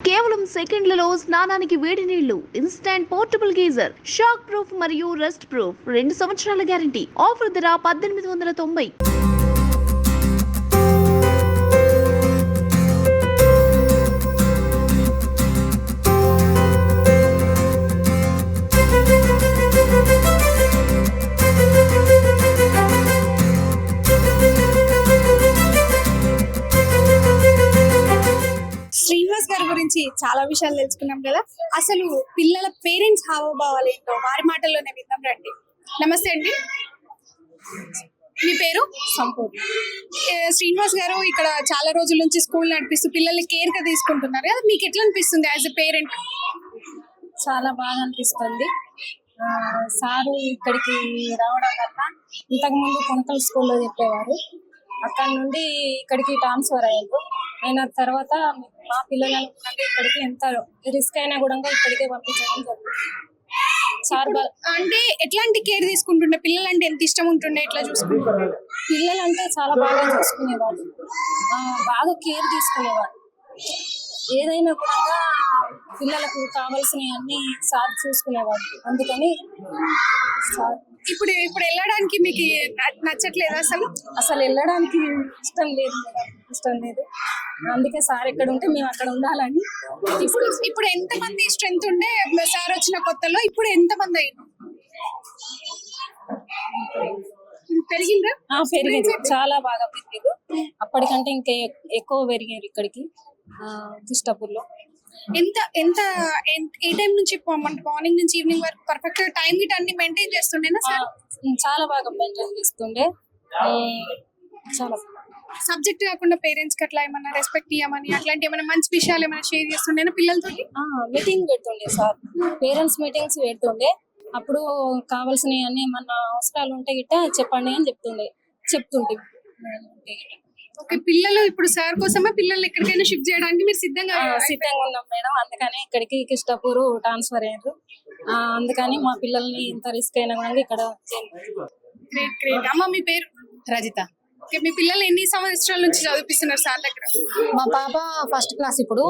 కేవలం సెకండ్లలో స్నానానికి వేడి నీళ్లు, instant portable geyser, shock proof మరియు రస్ట్ ప్రూఫ్, 2 సంవత్సరాల గ్యారంటీ. ఆఫర్ ధర 1890. శ్రీనివాస్ గారి గురించి చాలా విషయాలు తెలుసుకున్నాం కదా. అసలు పిల్లల పేరెంట్స్ హావభావాలు ఏంటో వారి మాటల్లోనే విందాం రండి. నమస్తే అండి, మీ పేరు? సంపూర్ణ. శ్రీనివాస్ గారు ఇక్కడ చాలా రోజుల నుంచి స్కూల్ నడిపిస్తూ పిల్లల్ని కేర్ గా తీసుకుంటున్నారు కదా, మీకు ఎట్లా అనిపిస్తుంది యాజ్ ఎ పేరెంట్? చాలా బాగా అనిపిస్తుంది. సారు ఇక్కడికి రావడం వల్ల ఇంతకుముందు కొనకల్ స్కూల్లో చెప్పేవారు, అక్కడ నుండి ఇక్కడికి ట్రాన్స్ఫర్ అయ్యారు. అయిన తర్వాత మా పిల్లలను ఇక్కడికి ఎంత రిస్క్ అయినా కూడా ఇక్కడికే పంపించడం జరుగుతుంది. సార్ అంటే ఎట్లాంటి కేర్ తీసుకుంటుండే, పిల్లలు అంటే ఎంత ఇష్టం ఉంటుండే, ఎట్లా చూసుకుంటుండే? పిల్లలు అంటే చాలా బాగా చూసుకునేవాడు, బాగా కేర్ తీసుకునేవాడు. ఏదైనా కూడా పిల్లలకు కావాల్సినవి అన్ని సార్ చూసుకునేవాడు. అందుకని సార్ ఇప్పుడు వెళ్ళడానికి మీకు నచ్చట్లేదు? అసలు వెళ్ళడానికి ఇష్టం లేదు. అందుకే సార్ ఎక్కడ ఉంటే మేము అక్కడ ఉండాలని. ఇప్పుడు ఎంత మంది స్ట్రెంత్ ఉండే సార్ వచ్చిన కొత్తలో, ఇప్పుడు ఎంత మంది అయ్యారు? పెరిగిందా? పెరిగింది, చాలా బాగా పెరిగారు. అప్పటికంటే ఇంకా ఎక్కువ పెరిగారు ఇక్కడికి కిష్టపూర్లో. ఎంత ఎంత ఏ టైం నుంచి మార్నింగ్ నుంచి ఈవినింగ్ వరకు పర్ఫెక్ట్ టైం గిట్ అన్ని మెయింటైన్ చేస్తుండేనా సార్? చాలా బాగా మెయింటైన్ చేస్తుండే. చాలా సబ్జెక్ట్ కాకుండా పేరెంట్స్ కి అట్లా ఏమన్నా రెస్పెక్ట్ ఇవ్వమని అట్లాంటి ఏమైనా మంచి విషయాలు ఏమైనా షేర్ చేస్తుండేనా పిల్లలతో? మీటింగ్ పెడుతుండే సార్, పేరెంట్స్ మీటింగ్స్ పెడుతుండే. అప్పుడు కావాల్సినవి అన్ని ఏమన్నా అవసరాలు ఉంటే గిట్ట చెప్పండి అని చెప్తుంటే. ఓకే, పిల్లలు ఇప్పుడు సార్ కోసమే పిల్లల్ని ఎక్కడికైనా షిఫ్ట్ చేయడానికి మీరు సిద్ధంగా ఉన్నాం మేడం. అందుకని ఇక్కడికి కిష్టపూర్ ట్రాన్స్ఫర్ అయ్యారు. అందుకని మా పిల్లల్ని ఎంత రిస్క్ అయినా కూడా ఇక్కడ. Great great. అమ్మ, మీ పేరు? రజిత. ఓకే, మీ పిల్లలు ఎన్ని సంవత్సరాల నుంచి చదివిస్తున్నారు సార్ దగ్గర? మా పాప ఫస్ట్ క్లాస్, ఇప్పుడు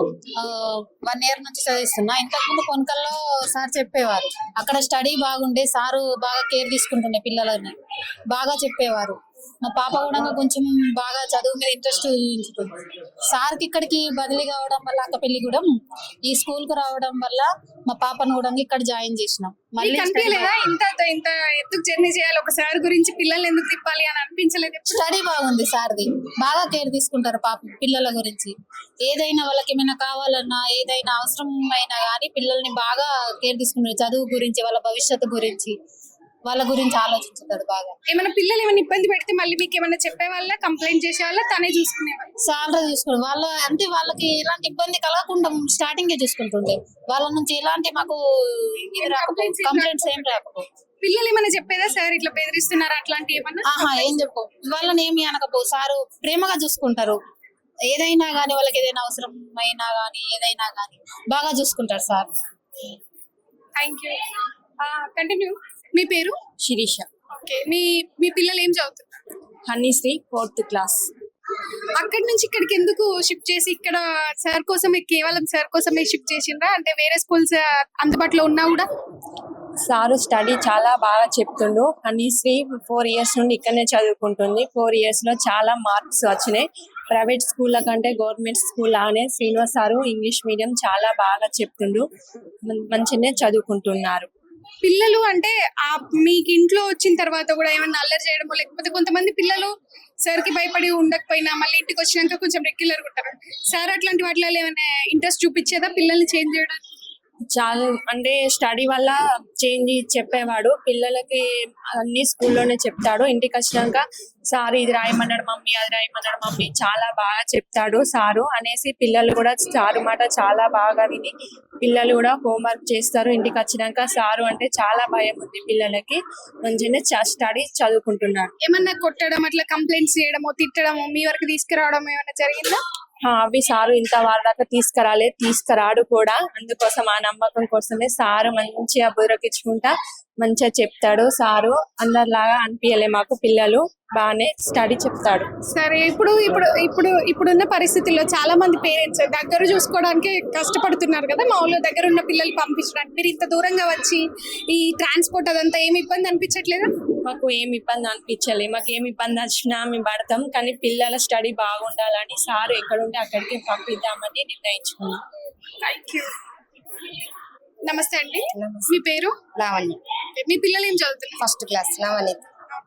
1 year నుంచి చదివిస్తున్నా. ఇంతకుముందు కొనకల్లో సార్ చెప్పేవారు, అక్కడ స్టడీ బాగుండే, సారు బాగా కేర్ తీసుకుంటుండే, పిల్లలని బాగా చెప్పేవారు. మా పాప కూడా కొంచెం బాగా చదువు మీద ఇంట్రెస్ట్ చూపించుతుంది. సార్కి ఇక్కడికి బదిలీ కావడం వల్ల, అక్కపెల్లి కూడా ఈ స్కూల్ కు రావడం వల్ల మా పాపను కూడా ఇక్కడ జాయిన్ చేసినాం. మళ్ళీ ఇంత ఎందుకు జర్నీ చేయాలి ఒకసారి గురించి, పిల్లల్ని ఎందుకు తిప్పాలి అని అనిపించలేదు? స్టడీ బాగుంది సార్ది, బాగా కేర్ తీసుకుంటారు పిల్లల గురించి. ఏదైనా వాళ్ళకి ఏమైనా కావాలన్నా, ఏదైనా అవసరం అయినా కానీ పిల్లల్ని బాగా కేర్ తీసుకుంటారు. చదువు గురించి, వాళ్ళ భవిష్యత్తు గురించి, వాళ్ళ గురించి ఆలోచించుతారు బాగా. ఏమైనా పిల్లలు ఏమైనా ఇబ్బంది పెడితే మళ్ళీ మీకు ఏమైనా చెప్పే వాళ్ళ, కంప్లైంట్ చేసే వాళ్ళ, తనే చూసుకునేవాళ్ళు? సాలరీ చూసుకుని వాళ్ళ అంటే వాళ్ళకి ఎలాంటి ఇబ్బంది కలగకుండా స్టార్టింగ్ చూసుకుంటుండే. వాళ్ళ నుంచి ఎలాంటి మాకు కంప్లైంట్స్ ఏం రాకపో. పిల్లలు ఏమైనా చెప్పేదా సార్ ఇట్లా బెదిరిస్తున్నారు అట్లాంటి ఏమన్నా? ఏం చెప్పు, వాళ్ళని ఏమి అనకపో. సారు ప్రేమగా చూసుకుంటారు. ఏదైనా గానీ, వాళ్ళకి ఏదైనా అవసరం అయినా గానీ, ఏదైనా గానీ బాగా చూసుకుంటారు సార్. Thank you. కంటిన్యూ. మీ పేరు? శిరీష. ఓకే, మీ పిల్లలు ఏం చదువుతున్నారు? హనీశ్రీ 4th class. అక్కడి నుంచి ఇక్కడికి ఎందుకు షిఫ్ట్ చేసి, ఇక్కడ సార్ కోసమే, కేవలం సార్ కోసమే షిఫ్ట్ చేసిండ్రా? అంటే వేరే స్కూల్స్ అందుబాటులో ఉన్నా కూడా? సారు స్టడీ చాలా బాగా చెప్తుండు. హనీశ్రీ 4 years నుండి ఇక్కడనే చదువుకుంటుంది. 4 years లో చాలా మార్క్స్ వచ్చినాయి. ప్రైవేట్ స్కూళ్ళ కంటే గవర్నమెంట్ స్కూల్ లానే శ్రీనివాస్ సారు ఇంగ్లీష్ మీడియం చాలా బాగా చెప్తుండు. మంచిగానే చదువుకుంటున్నారు పిల్లలు. అంటే మీకు ఇంట్లో వచ్చిన తర్వాత కూడా ఏమన్నా అల్లరి చేయడమో, లేకపోతే కొంతమంది పిల్లలు సార్ కి భయపడి ఉండకపోయినా మళ్ళీ ఇంటికి వచ్చినాక కొంచెం రెగ్యులర్ గా ఉంటారు. సార్ అట్లాంటి వాటిలో ఏమైనా ఇంట్రెస్ట్ చూపించేదా పిల్లల్ని చేంజ్ చేయడానికి? చాలా, అంటే స్టడీ వల్ల చేంజ్ చెప్పేవాడు. పిల్లలకి అన్ని స్కూల్లోనే చెప్తాడు. ఇంటికి వచ్చినాక సార్ ఇది రాయమన్నాడు మమ్మీ, అది రాయమన్నాడు మమ్మీ, చాలా బాగా చెప్తాడు సారు అనేసి పిల్లలు కూడా సారు మాట చాలా బాగా విని పిల్లలు కూడా హోంవర్క్ చేస్తారు. ఇంటికి వచ్చినాక సారు అంటే చాలా భయం ఉంది పిల్లలకి. మంచిగానే స్టడీ చదువుకుంటున్నారు. ఏమన్నా కొట్టడం, అట్లా కంప్లైంట్స్ చేయడమో, తిట్టడమో మీ వరకు తీసుకురావడం ఏమైనా జరిగిందా? అవి సారు ఇంత వారదాకా తీసుకురాడు కూడా. అందుకోసం ఆ నమ్మకం కోసమే సారు మంచిగా బుర్రకిచ్చుకుంటా మంచిగా చెప్తాడు సారు. అందరిలాగా అనిపించలే మాకు, పిల్లలు బాగానే స్టడీ చెప్తాడు. సరే, ఇప్పుడున్న పరిస్థితుల్లో చాలా మంది పేరెంట్స్ దగ్గర చూసుకోవడానికి కష్టపడుతున్నారు కదా, మా ఊళ్ళో దగ్గర ఉన్న పిల్లలు పంపించడానికి. మీరు ఇంత దూరంగా వచ్చి ఈ ట్రాన్స్పోర్ట్ అదంతా ఏమి ఇబ్బంది అనిపించట్లేదా? మాకు ఏమి ఇబ్బంది అనిపించలే. మాకు ఏమి ఇబ్బంది వచ్చినా మేము పడతాం, కానీ పిల్లల స్టడీ బాగుండాలని సారు ఎక్కడుంటే అక్కడికి పంపిద్దామని నిర్ణయించుకున్నాం. Thank you. నమస్తే అండి, మీ పేరు? లావణ్య, మీ పిల్లలు ఏం చదువుతున్నారు? First class. నవనీత్.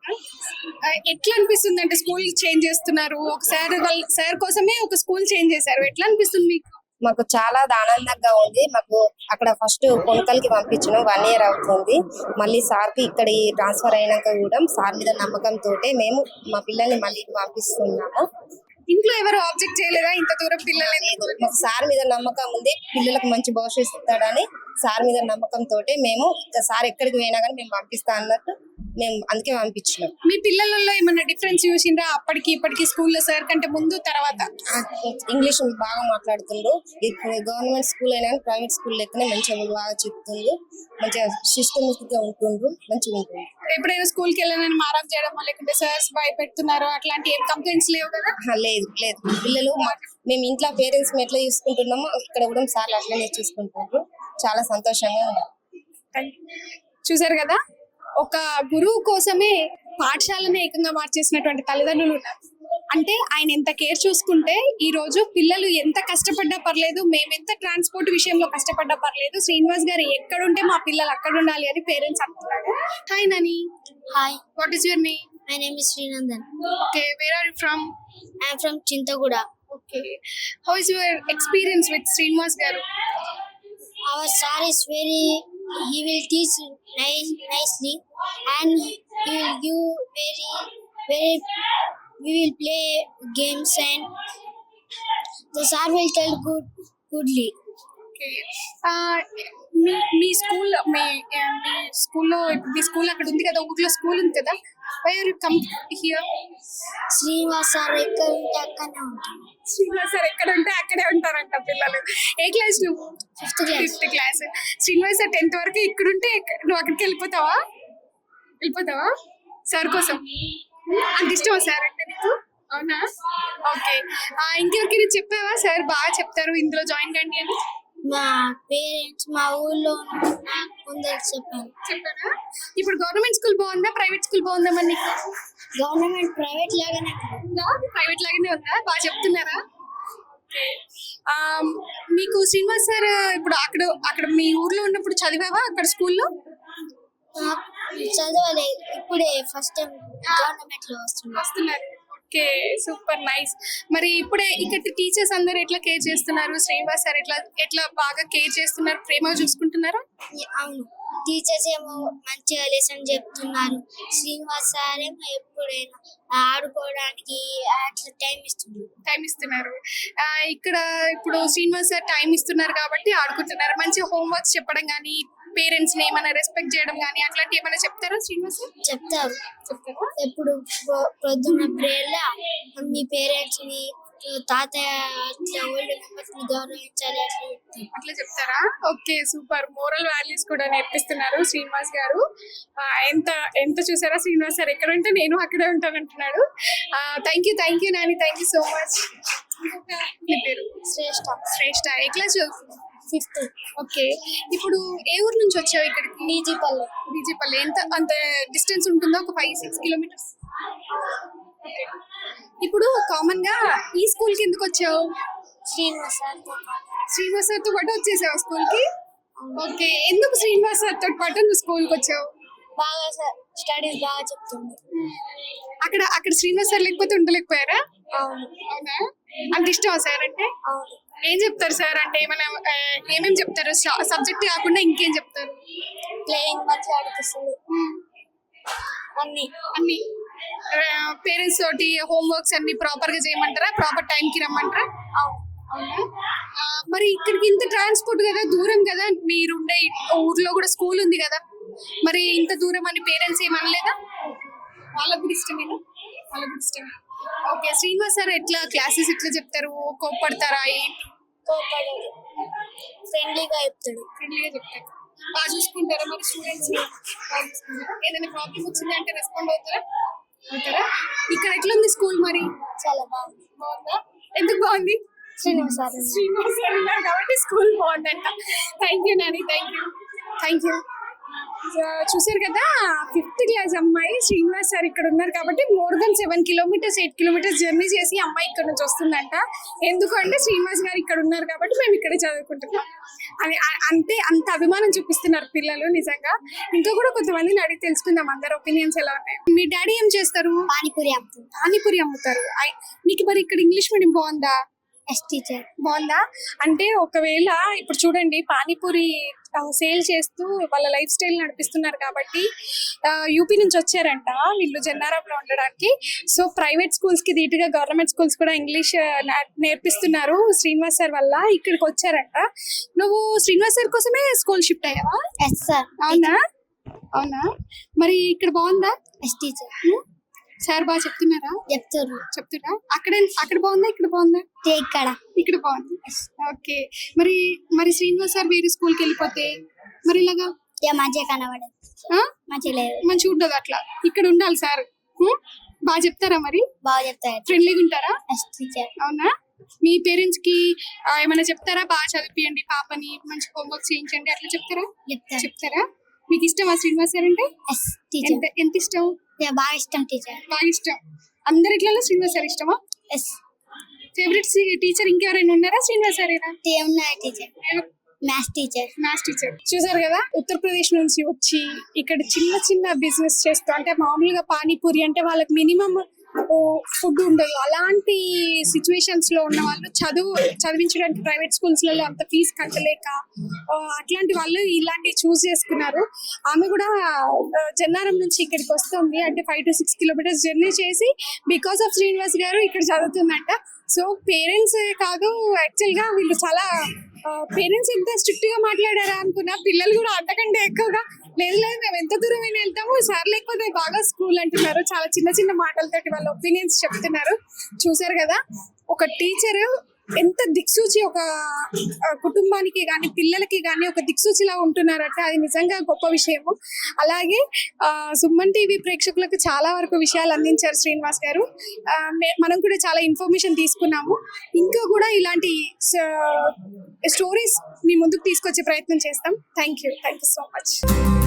ఎట్లా అనిపిస్తుంది అంటే స్కూల్ చేంజ్ చేస్తున్నారు, ఒకసారి వాళ్ళ సార్ కోసమే ఒక స్కూల్ చేంజ్ చేశారు, ఎట్లా అనిపిస్తుంది మీకు? మాకు చాలా ఆనందంగా ఉంది. మాకు అక్కడ ఫస్ట్ కొనుకల్కి పంపించడం 1 year అవుతుంది. మళ్ళీ సార్కి ఇక్కడ ట్రాన్స్ఫర్ అయినాక కూడా సార్ మీద నమ్మకంతో మేము మా పిల్లల్ని మళ్ళీ పంపిస్తున్నాము. ఇంట్లో ఎవరు ఆబ్జెక్ట్ చేయలేదా ఇంత దూరం పిల్లలు? మాకు సార్ మీద నమ్మకం ఉంది, పిల్లలకు మంచి భవిష్యత్తు ఇస్తాడని సార్ మీద నమ్మకంతో మేము సార్ ఎక్కడికి పోయినా కానీ మేము పంపిస్తా అన్నట్టు మేము అందుకే పంపించినాం. మీ పిల్లలలో ఏమన్నా డిఫరెన్స్ చూసిండ్రా అప్పటికి ఇప్పటికి స్కూల్లో సార్ కంటే ముందు తర్వాత? ఇంగ్లీష్ బాగా మాట్లాడుతుండ్రు. గవర్నమెంట్ స్కూల్ అయినా ప్రైవేట్ స్కూల్ లెక్కనే మంచిగా బాగా చెప్తుండ్రు, మంచిగా సిస్టమేటిక్ గా ఉంటుండ్రు, మంచిగా ఉంటుంది. ఎప్పుడైనా స్కూల్కి వెళ్ళాలని మారం చేయడం లేకుంటే సార్స్ భయపెడుతున్నారు అట్లాంటి ఏం కంప్లైంట్స్ లేవు కదా? లేదు లేదు, పిల్లలు మేము ఇంట్లో పేరెంట్స్ ఎట్లా చూసుకుంటున్నామో ఇక్కడ కూడా సార్లు అట్లనే చూసుకుంటున్నారు. చాలా సంతోషంగా ఉంది. చూసారు కదా, ఒక గురువు కోసమే పాఠశాలను ఏకంగా మార్చేసినటువంటి తల్లిదండ్రులు ఉన్నారు. అంటే ఆయన ఎంత కేర్ చూసుకుంటే ఈ రోజు పిల్లలు ఎంత కష్టపడ్డా పర్లేదు, మేమెంత ట్రాన్స్పోర్ట్ విషయంలో కష్టపడ్డా పర్లేదు, శ్రీనివాస్ గారు ఎక్కడుంటే మా పిల్లలు అక్కడ ఉండాలి అని పేరెంట్స్ అంటున్నారు. Hi Nani. Hi, what is your name? my name is Srinandan. Okay, where are you from? I am from Chintaguda. Okay, how is your experience with Srinivas garu? Our sir is he will teach nicely, and he will give we will play games, and the sir will tell goodly. Okay, మీ స్కూల్లో మీ school అక్కడ ఉంది కదా, ఊర్లో school ఉంది కదా, why are you come here? Srinivas sir ఎక్కడ ఉంటే అక్కడనే ఉంటాను. శ్రీనివాస్ సార్ ఎక్కడ ఉంటే అక్కడే ఉంటారంట పిల్లలు. ఏ క్లాస్ నువ్వు? 5th class. 5th class. Srinivas sir 10th వరకు ఇక్కడ ఉంటే నువ్వు అక్కడికి వెళ్ళిపోతావా సార్ కోసం? అంత ఇష్టమా సార్ అంటే నీకు? అవునా? ఓకే, ఇంకెవరికి చెప్పావా సార్ బాగా చెప్తారు ఇందులో జాయిన్ కండి అని? మా పేరెంట్స్ మా ఊళ్ళో నాకు కొందరు చెప్పారా? ఇప్పుడు గవర్నమెంట్ స్కూల్ బాగుందా, ప్రైవేట్ స్కూల్ బాగుందా మరి నీకు? గవర్నమెంట్ ప్రైవేట్ లాగానే ప్రైవేట్ లాగానే ఉందా? బాగా చెప్తున్నారా? మీకు శ్రీనివాస్ సార్ ఇప్పుడు అక్కడ మీ ఊర్లో ఉన్నప్పుడు చదివావా అక్కడ స్కూల్లో? చదవలేదు, ఇప్పుడే ఫస్ట్ టైం గవర్నమెంట్ లో వస్తున్నారు. Okay, super nice. మరి ఇప్పుడే ఇక్కడ టీచర్స్ అందరు ఎట్లా కేర్ చేస్తున్నారు? శ్రీనివాస్ సార్ ఎట్లా బాగా కేర్ చేస్తున్నారు, ప్రేమగా చూసుకుంటున్నారా? అవును, టీచర్స్ ఏమో మంచిగా లెసన్ చెప్తున్నారు, శ్రీనివాస్ సార్ ఏమో ఎప్పుడైనా ఆడుకోవడానికి అట్లా టైం ఇస్తున్నారు. ఇక్కడ ఇప్పుడు శ్రీనివాస్ సార్ టైం ఇస్తున్నారు కాబట్టి ఆడుకుంటున్నారు. మంచిగా హోంవర్క్స్ చెప్పడం కానీ, పేరెంట్స్ ని ఏమైనా రెస్పెక్ట్ చేయడం కానీ అట్లాంటి ఏమైనా చెప్తారా శ్రీనివాస్ సార్? చెప్తారు. ఎప్పుడు పొద్దున్న ప్రేయర్లా మీ పేరెంట్స్ ని, తాతయ్య అట్లా ఓల్డ్ మెంబర్స్ ని గౌరవించాలి అట్లా చెప్తారా? Okay, super. మోరల్ వాల్యూస్ కూడా నేర్పిస్తున్నారు శ్రీనివాస్ గారు. ఎంత చూసారా, శ్రీనివాస్ సార్ ఎక్కడ ఉంటే నేను అక్కడే ఉంటాను అంటున్నాడు. Thank you Nani, thank you so much. మీ పేరు? శ్రేష్ఠ. ఏ క్లాస్ చదువుతున్నావు? 5th. ఓకే, ఇప్పుడు ఏ ఊరు నుంచి వచ్చావు ఇక్కడికి? డీజీపల్లి. అంత డిస్టెన్స్ ఉంటుందో, ఒక 5-6 కిలోమీటర్స్. ఇప్పుడు కామన్ గా ఈ స్కూల్ కి ఎందుకు వచ్చావు? శ్రీనివాస్ సార్ తో పాటు వచ్చేసావు స్కూల్ కి? ఓకే, ఎందుకు శ్రీనివాస్ సార్ తో పాటు నువ్వు స్కూల్ కి వచ్చావు? బాగా స్టడీస్ బాగా చెప్తుంది. అక్కడ శ్రీనివాస్ సార్ లేకపోతే ఉండలేకపోయారా? అవునా? అంత ఇష్టమా సార్ అంటే? అవును. ఏం చెప్తారు సార్ అంటే? ఏమేమి చెప్తారు? సబ్జెక్ట్ కాకుండా ఇంకేం చెప్తారు? ప్లేయింగ్ మంచిగా ఆడిపిస్తుంది, అన్ని పేరెంట్స్ తోటి హోంవర్క్స్ అన్ని ప్రాపర్ గా చేయమంటారా? ప్రాపర్ టైం కి రమ్మంటారా? అవునా? మరి ఇక్కడికి ఇంత ట్రాన్స్పోర్ట్ కదా, దూరం కదా, మీరుండే ఊర్లో కూడా స్కూల్ ఉంది కదా, మరి ఇంత దూరం అని పేరెంట్స్ ఏమనలేదా? వాళ్ళకు కూడా ఇష్టమేనా? ఓకే, శ్రీనివాస్ సార్ ఎట్లా క్లాసెస్ ఎట్లా చెప్తారు? కోప్పడతారా? ఫ్రెండ్లీగా చెప్తాడు. బాగా చూసుకుంటారా మరి స్టూడెంట్స్? ఏదైనా ప్రాబ్లం వచ్చింది అంటే రెస్పాండ్ అవుతారా? ఇక్కడ ఎట్లా ఉంది స్కూల్ మరి? చాలా బాగుంది. బాగుందా? ఎందుకు బాగుంది? శ్రీనివాస్ సార్ ఉన్నారు. శ్రీనివాస్ గారు ఉన్నారు కాబట్టి స్కూల్ బాగుందంట. Thank you Nani, thank you. చూసారు కదా, 5th క్లాస్ అమ్మాయి శ్రీనివాస్ సార్ ఇక్కడ ఉన్నారు కాబట్టి more than 7 kilometres 8 kilometres journey చేసి అమ్మాయి ఇక్కడ నుంచి వస్తుందంట. ఎందుకంటే శ్రీనివాస్ గారు ఇక్కడ ఉన్నారు కాబట్టి మేము ఇక్కడే చదువుకుంటున్నాం అని అంత అభిమానం చూపిస్తున్నారు పిల్లలు నిజంగా. ఇంకా కూడా కొంతమందిని అడిగి తెలుసుకుందాం అందరు ఒపీనియన్స్ ఎలా ఉన్నాయి. మీ డాడీ ఏం చేస్తారు? పానీపూరి అమ్ముతారు. మీకు మరి ఇక్కడ ఇంగ్లీష్ మీడియం బాగుందా? టీచర్ బాగుందా? అంటే ఒకవేళ ఇప్పుడు చూడండి, పానీపూరి సేల్ చేస్తూ వాళ్ళ లైఫ్ స్టైల్ నడిపిస్తున్నారు కాబట్టి యూపీ నుంచి వచ్చారంట వీళ్ళు జన్నారంలో ఉండడానికి. సో ప్రైవేట్ స్కూల్స్ కి ధీటుగా గవర్నమెంట్ స్కూల్స్ కూడా ఇంగ్లీష్ నేర్పిస్తున్నారు శ్రీనివాస్ సార్ వల్ల. ఇక్కడికి వచ్చారంట. నువ్వు శ్రీనివాస్ సార్ కోసమే స్కూల్ షిఫ్ట్ అయ్యావా? సార్. అవునా? మరి ఇక్కడ బాగుందా? టీచర్ సార్ బాగా చెప్తున్నారా? చెప్తున్నా. అక్కడ బాగుందా? ఇక్కడ బాగుందా? ఇక్కడ బాగుంది. ఓకే. మరి శ్రీనివాస్ సార్ వేరే స్కూల్ కి వెళ్ళిపోతే మరి ఇలాగా మంచిగా కనబడదు, మంచిగా ఉండదు. అట్లా ఇక్కడ ఉండాలి సార్. బాగా చెప్తారా? మరి బాగా చెప్తారు. ఫ్రెండ్లీగా ఉంటారా? టీచర్. అవునా? మీ పేరెంట్స్ కి ఏమైనా చెప్తారా? బాగా చదివియండి పాపని, మంచి హోంవర్క్ చేయించండి అట్లా చెప్తారా? మీకు ఇష్టమా శ్రీనివాస్ సార్ అంటే? ఎంత ఇష్టం? బాగా ఇష్టం టీచర్. బాగా ఇష్టం. అందరిట్లలో శ్రీనివాస్ సార్ ఇష్టమా? ఫేవరెట్ టీచర్ ఇంకెవరైనా ఉన్నారా? శ్రీనివాస్ సారేనా? Teacher, maths teacher. చూసారు కదా, ఉత్తరప్రదేశ్ నుంచి వచ్చి ఇక్కడ చిన్న బిజినెస్ చేస్తూ, అంటే మామూలుగా పానీపూరి అంటే వాళ్ళకి మినిమం ఫుడ్ ఉండదు. అలాంటి సిచ్యువేషన్స్ లో ఉన్న వాళ్ళు చదివించడానికి ప్రైవేట్ స్కూల్స్ లలో అంత ఫీజు కట్టలేక అట్లాంటి వాళ్ళు ఇలాంటివి చూస్ చేసుకున్నారు. ఆమె కూడా జన్నారం నుంచి ఇక్కడికి వస్తుంది. అంటే 5 to 6 కిలోమీటర్స్ జర్నీ చేసి బికాస్ ఆఫ్ శ్రీనివాస్ గారు ఇక్కడ చదువుతుందంట. సో పేరెంట్స్ కాదు, యాక్చువల్ గా వీళ్ళు చాలా పేరెంట్స్ ఎంత స్ట్రిక్ట్ గా మాట్లాడారా అనుకున్నా, పిల్లలు కూడా అంతకంటే ఎక్కువగా లేదు మేము ఎంత దూరం అయినా వెళ్తాము సార్ లేకపోతే బాగా స్కూల్ అంటున్నారు. చాలా చిన్న మాటలతోటి వాళ్ళ ఒపీనియన్స్ చెప్తున్నారు. చూసారు కదా, ఒక టీచర్ ఎంత దిక్సూచి ఒక కుటుంబానికి కానీ పిల్లలకి కానీ ఒక దిక్సూచిలా ఉంటున్నారంటే అది నిజంగా గొప్ప విషయము. అలాగే సుమన్ టీవీ ప్రేక్షకులకు చాలా వరకు విషయాలు అందించారు శ్రీనివాస్ గారు. మనం కూడా చాలా ఇన్ఫర్మేషన్ తీసుకున్నాము. ఇంకా కూడా ఇలాంటి స్టోరీస్ మీ ముందుకు తీసుకొచ్చే ప్రయత్నం చేస్తాం. Thank you so much.